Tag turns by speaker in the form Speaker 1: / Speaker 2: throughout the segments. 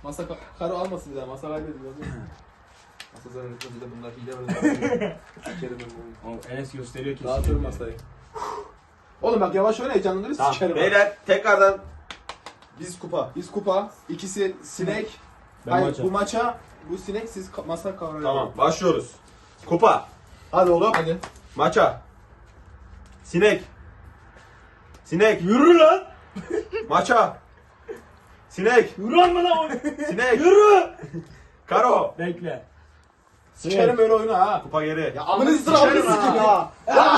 Speaker 1: Masa karo almasın bir daha. Masa kaybediyor. Masa zarar etmez de bunlar hile böyle. Sikerim ben bunu.
Speaker 2: Oğlum Enes gösteriyor kesin.
Speaker 1: Dağıtıyorum masayı. Oğlum bak yavaş oyna heyecanlanırız
Speaker 3: Tamam.
Speaker 1: sikerim.
Speaker 3: Beyler tekrardan biz kupa.
Speaker 1: Biz kupa. İkisi sinek.
Speaker 2: Ben
Speaker 1: Hayır
Speaker 2: maça.
Speaker 1: bu maça. Bu sinek siz masa kavrayın.
Speaker 3: Tamam başlıyoruz. Kupa. Hadi oğlum.
Speaker 1: Hadi.
Speaker 3: Maça. Sinek. Sinek.
Speaker 2: Yürü lan.
Speaker 3: Maça. Sinek.
Speaker 2: Yürü lan bana.
Speaker 3: Sinek.
Speaker 2: Yürü.
Speaker 3: Karo.
Speaker 2: Bekle.
Speaker 1: Sikerim böyle oyunu ha.
Speaker 3: Kupa geri.
Speaker 1: Ya amınızı sıramını sikim ya.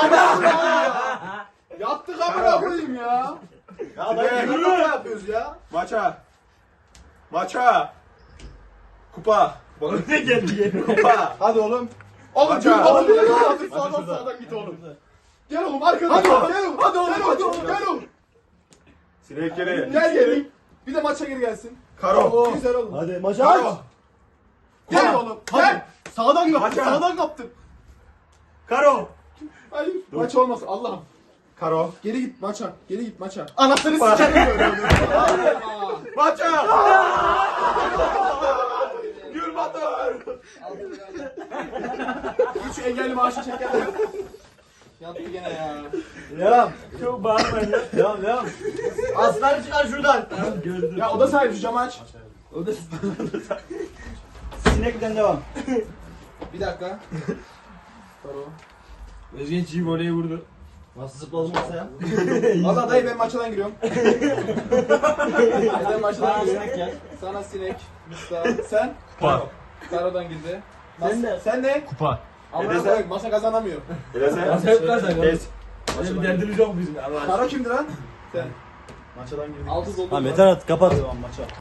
Speaker 1: Yattık amına koyayım ya.
Speaker 3: Ya
Speaker 1: dayı,
Speaker 3: yürü.
Speaker 1: ne yapıyoruz ya?
Speaker 3: Maça. Maça. Kupa. Bakın.
Speaker 2: Ne geldi?
Speaker 3: Kupa.
Speaker 1: Hadi oğlum. Oğlum
Speaker 3: Maça.
Speaker 1: git oğlum.
Speaker 3: Hadi
Speaker 1: Sağdan sağdan git oğlum. Gel oğlum arkadan. Hadi oğlum. Gel oğlum. Hadi oğlum. Hadi oğlum. Gel oğlum.
Speaker 3: Sinek geri.
Speaker 1: Gel geri. Bir de maça geri gelsin.
Speaker 3: Karo.
Speaker 1: Güzel oğlum.
Speaker 2: Hadi maça
Speaker 3: Karo.
Speaker 1: Gel oğlum. Gel.
Speaker 2: Sağdan kaptım.
Speaker 3: Maça.
Speaker 2: Sağdan kaptım.
Speaker 3: Karo.
Speaker 1: Hayır. Maç olmasın Allah'ım.
Speaker 3: Karo.
Speaker 1: Geri git maça. Geri git maça.
Speaker 2: Anasını sikerim böyle.
Speaker 3: Maça. Gül Batur.
Speaker 1: Üç engelli maaşı çekerler. Yattı gene ya.
Speaker 2: Devam. Çok bağırmayın ya. Devam. Aslan çıkar şuradan. Tamam gördüm.
Speaker 1: Ya oda sahibi şu camı aç.
Speaker 2: O da Sinekten devam.
Speaker 1: Bir dakika. Karo.
Speaker 2: Özgen çiğ voleyi vurdu. Nasıl zıpladım masaya?
Speaker 1: Valla dayı ben maçadan giriyorum. Ben maçadan giriyorum. Sana sinek. Mustafa. Sen?
Speaker 3: Kupa.
Speaker 1: Karo'dan girdi.
Speaker 2: Sen de.
Speaker 1: Sen de?
Speaker 3: Kupa.
Speaker 1: Amına
Speaker 3: Neden?
Speaker 1: koyayım masa kazanamıyor.
Speaker 3: Elese.
Speaker 2: Masa yok lan sen.
Speaker 3: Kes.
Speaker 2: Öyle bir derdimiz yok bizim. Allah aşkına.
Speaker 1: Karo kimdi lan? Sen.
Speaker 2: Maçadan girdik.
Speaker 1: Altı doldu.
Speaker 4: Tamam yeter artık kapat.
Speaker 2: Devam maça.